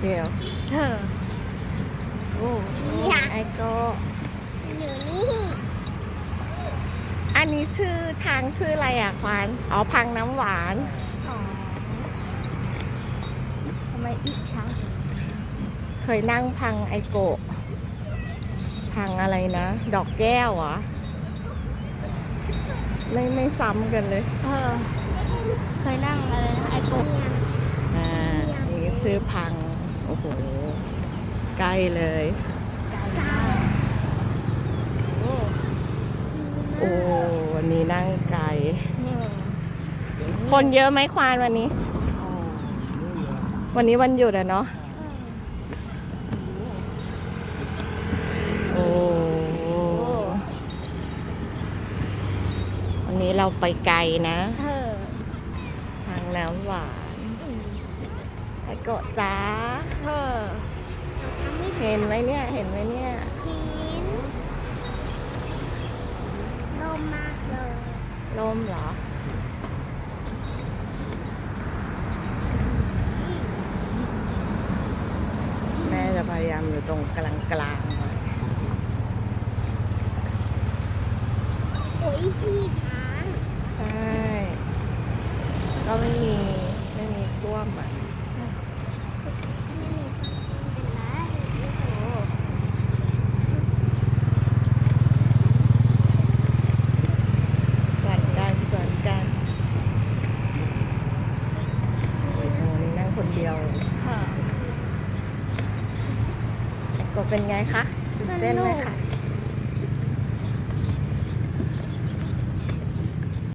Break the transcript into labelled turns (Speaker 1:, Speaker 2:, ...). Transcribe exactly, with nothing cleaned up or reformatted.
Speaker 1: เดียว
Speaker 2: เออโอ้
Speaker 1: นี่ไอโก
Speaker 3: อยู่นี่
Speaker 1: อันนี้ชื่อทางชื่ออะไรอ่ะควานอ๋อพังน้ำหวาน
Speaker 2: อ๋อทำไมอีกช้าง
Speaker 1: เคยนั่งพังไอโกะพังอะไรนะ ดอกแก้วเหรอไม่ไม่ซ้ำกันเลย
Speaker 2: เออเคยนั่งอะไรนะไอโกะ
Speaker 1: อ่านี่ซื้อพัง โอ้โห ใกล้เลย
Speaker 2: ไก่มากโอ้
Speaker 1: โอ้วันนี้นั่งไกล
Speaker 2: เนี่ย
Speaker 1: คนเยอะไหมควานวันนี้ วันนี้วันหยุดอะเนาะ โอ้วันนี้เราไปไกลนะ
Speaker 2: เออ
Speaker 1: ทางน้ำหวานไอโกะจ้า
Speaker 2: เออ
Speaker 3: ทำไม่
Speaker 1: เห็นไหมเนี่ย เห็นไหมเนี่ย
Speaker 3: เห็นลมมากเลย
Speaker 1: ลมเหรอ แม่จะพยายามอยู่ตรงกลางกลางๆหน่อย
Speaker 3: โอ้ยพี่ช้าง
Speaker 1: ใช่ ก็ไม่มี ไม่มีท่วมอ่ะ
Speaker 3: ไม่มีความเป็นไร
Speaker 2: โอ้
Speaker 1: ส่วนกันส่วนกันโอ้โหนี่นั่งคนเดียว
Speaker 2: เออ
Speaker 1: ก็เป็นไงคะตื่นเต้นไหมคะ